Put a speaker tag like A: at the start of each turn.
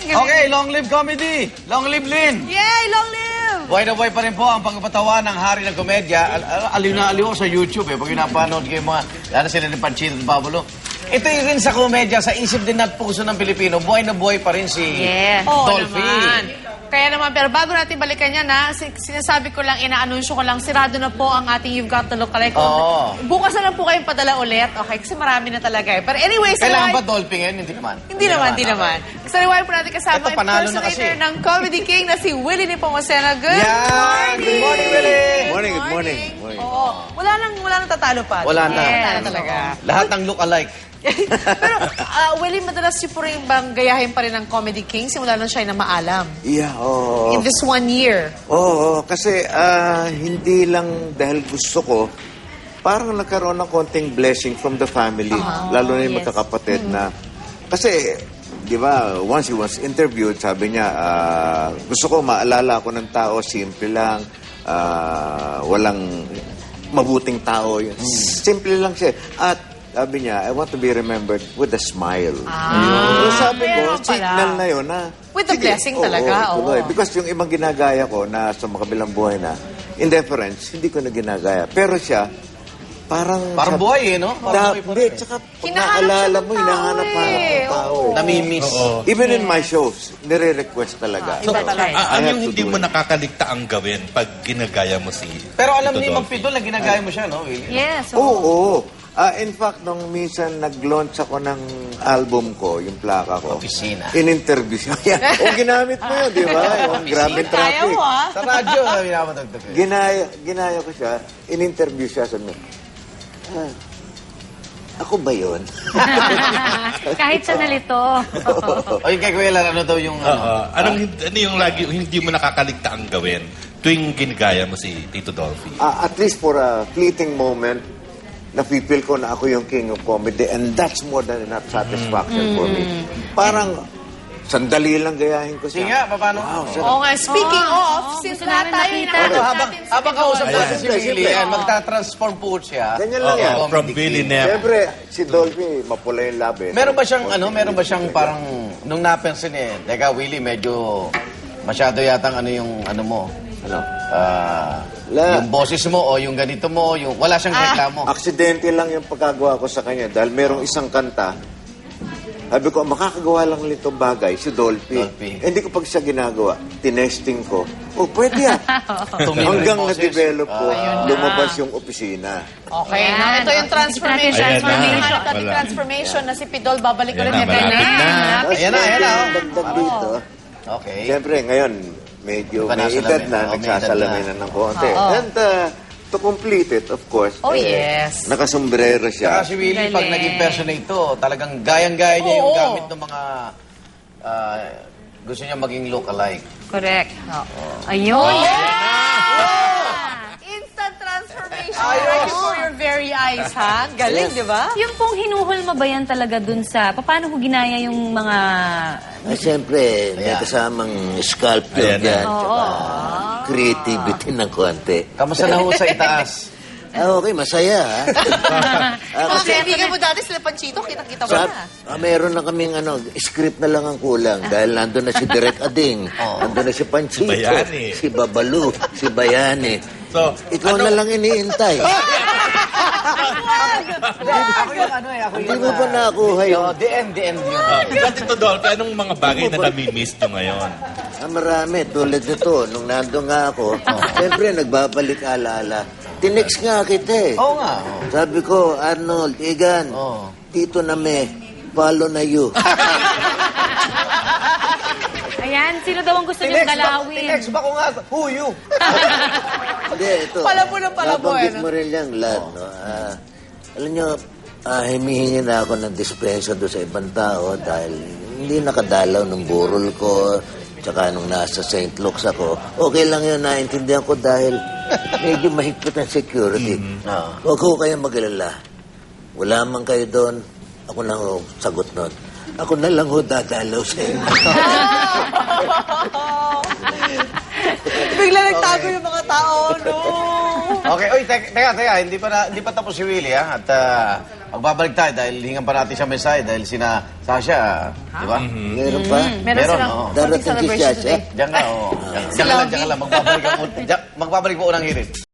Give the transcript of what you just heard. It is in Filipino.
A: Okay, long live comedy. Long live Lynn.
B: Yay! Long live!
A: Buhay na buhay pa rin po ang pagpapatawa ng hari ng komedya. Aliw na aliw sa YouTube eh. Pag pinapanood kayo mga, lalo sila ni Panchito at Pabulo. Ito yung rin sa komedya, sa isip din at puso ng Pilipino, buhay na buhay pa rin si Dolphy.
B: Naman. Kaya naman, pero bago natin balikan yan, sinasabi ko lang, inaanunsyo ko lang, sirado na po ang ating You've Got to Look Alike. Bukas na lang po kayong padala ulit. Okay, kasi marami na talaga eh. Pero anyway,
A: kailangan ba Dolphy ngayon? Hindi naman.
B: Hindi naman. Sa riwaya po natin kasama ang impersonator ng Comedy King na si Willie Nepomuceno. Good morning!
A: Good morning, Willie!
C: Good morning.
B: Oo. Wala nang tatalo pa.
A: Wala na.
B: Wala na talaga.
A: Lahat ng look alike.
B: Pero, Willie, madalas siya po rin bang gayahin pa rin ng Comedy King simula nung siya na maalam?
C: Yeah, oo.
B: In this 1 year.
C: Oo, kasi hindi lang dahil gusto ko, parang nagkaroon ng konting blessing from the family, lalo na yung magkakapatid na, kasi, di ba, once he was interviewed, sabi niya, gusto ko maalala ko ng tao, simple lang, walang mabuting tao. Simple lang siya. At sabi niya, I want to be remembered with a smile. Sabi ko, signal na yun na...
B: With the blessing talaga.
C: Oo. Because yung ibang ginagaya ko na sa makabilang buhay na, in deference, hindi ko na ginagaya. Pero siya, parang
A: buhay eh, no?
C: Hindi, tsaka pag naalala mo, hinahanap-hanap ng tao.
A: Namimiss.
C: Even in my shows, nire-request talaga.
D: So, ano yung hindi mo nakakaligta ang gawin pag ginagaya mo si...
A: Pero alam ni Mang Pidol na ginagaya mo siya, no, Willie?
B: Yes.
C: Oo. In fact, nung minsan nag-launch ako ng album ko, yung plaka ko.
A: Opisina.
C: In-interview siya. O ginamit mo yun, di ba? Yung Grabe Traffic.
A: Sa radyo, pinamatagtag.
C: Ginaya ko siya. In-interview siya. Sabi niya, ako ba yun?
E: Kahit sa nalito.
A: O yung kay Kuya Lar, ano daw yung...
D: ano yung lagi hindi mo nakakaligta ang gawin tuwing ginagaya mo si Tito Dolphy?
C: At least for a fleeting moment, nafe-feel ko na ako yung king of comedy and that's more than enough satisfaction for me. Parang sandali lang gayahin ko siya.
A: Sige nga, paano?
B: Oo nga, speaking of, since lahat tayo
A: habang kausap natin si Willie, magta-transform po siya.
C: Ganyan lang yan.
D: From Willie Nep.
C: Siyempre, si Dolphy, mapula yung labi.
A: Meron ba siyang parang, nung napansin eh, teka Willie, medyo masyado yatang yung mo, yung boses mo o yung ganito mo, yung wala siyang reklamo.
C: Aksidente lang yung pagkagawa ko sa kanya dahil merong isang kanta. Sabi ko, makakagawa lang nito bagay, si Dolphy. Hindi ko pag siya ginagawa, tinesting ko. Pwede yan. Hanggang na-develop ko, lumabas yung opisina.
B: Okay, ito yung transformation. Ating transformation na si Pidol, babalik ulit.
A: Ayan na.
C: Dagdag dito.
A: Okay.
C: Siyempre, ngayon, medyo may edad na, nagsasalamin na ng konti. And to complete it, of course,
B: yes.
C: Nakasombrero siya.
A: Saka si Willie, pag nag-impersonate to, talagang gayang-gaya niya yung gamit ng mga gusto niya maging look-alike.
E: Correct. Ayun.
B: Instant transformation right before your very eyes, ha? Galing, di ba?
E: Yung pong hinuhulma ba yan talaga dun sa... Paano ko ginaya yung mga...
F: Siyempre, may kasamang sculpture dyan. Tsaka creativity ng konti.
A: Kamusta na ho sa itaas?
F: Okay, masaya.
B: Mga kaibigan mo dati sila Panchito, kita-kita mo na.
F: Meron na kaming script na lang ang kulang. Dahil nandun na si Direk Ading, nandun na si Panchito, si Babalu, si Bayani.
D: So,
F: ikaw na lang iniintay. Hindi mo pa nakuha yung...
A: The end yun.
D: Tito Dolphy, anong mga bagay na nami-miss nyo ngayon?
F: Marami. Tulad nito, nung nandun nga ako, siyempre nagbabalik alaala. Tinext nga kita eh.
A: Oo nga.
F: Sabi ko, Arnold, Igan, dito na follow na you.
E: Ayan, sino daw ang gusto niyong galawin?
A: Tinext ba ko nga? Who you?
F: Hindi, ito.
B: Palabo na palabo.
F: Nabanggit mo rin lang, lad, no? Alam nyo, humihingi na ako ng dispensa doon sa ibang tao dahil hindi nakadalaw ng burol ko. Tsaka nung nasa St. Luke's ako, okay lang yun, naintindihan ko dahil medyo mahigpit ang security. Huwag ko kayo mag-alala. Wala man kayo doon, ako na ho sagot nun. Ako na lang ho dadalaw sa inyo.
B: Bigla nagtago yung mga tao, no?
A: Okay, oy, teka, hindi pa tapos si Willie, ha? At magbabalik tayo dahil hingan pa natin siya mensahe dahil sina Sasha, di ba?
F: Meron pa?
B: Meron silang
A: oo.
B: konting
F: Darating si
B: celebration
F: Sasha.
B: today.
A: Diyan ka, oo. Diyan ka lang. Magbabalik po unang hirit.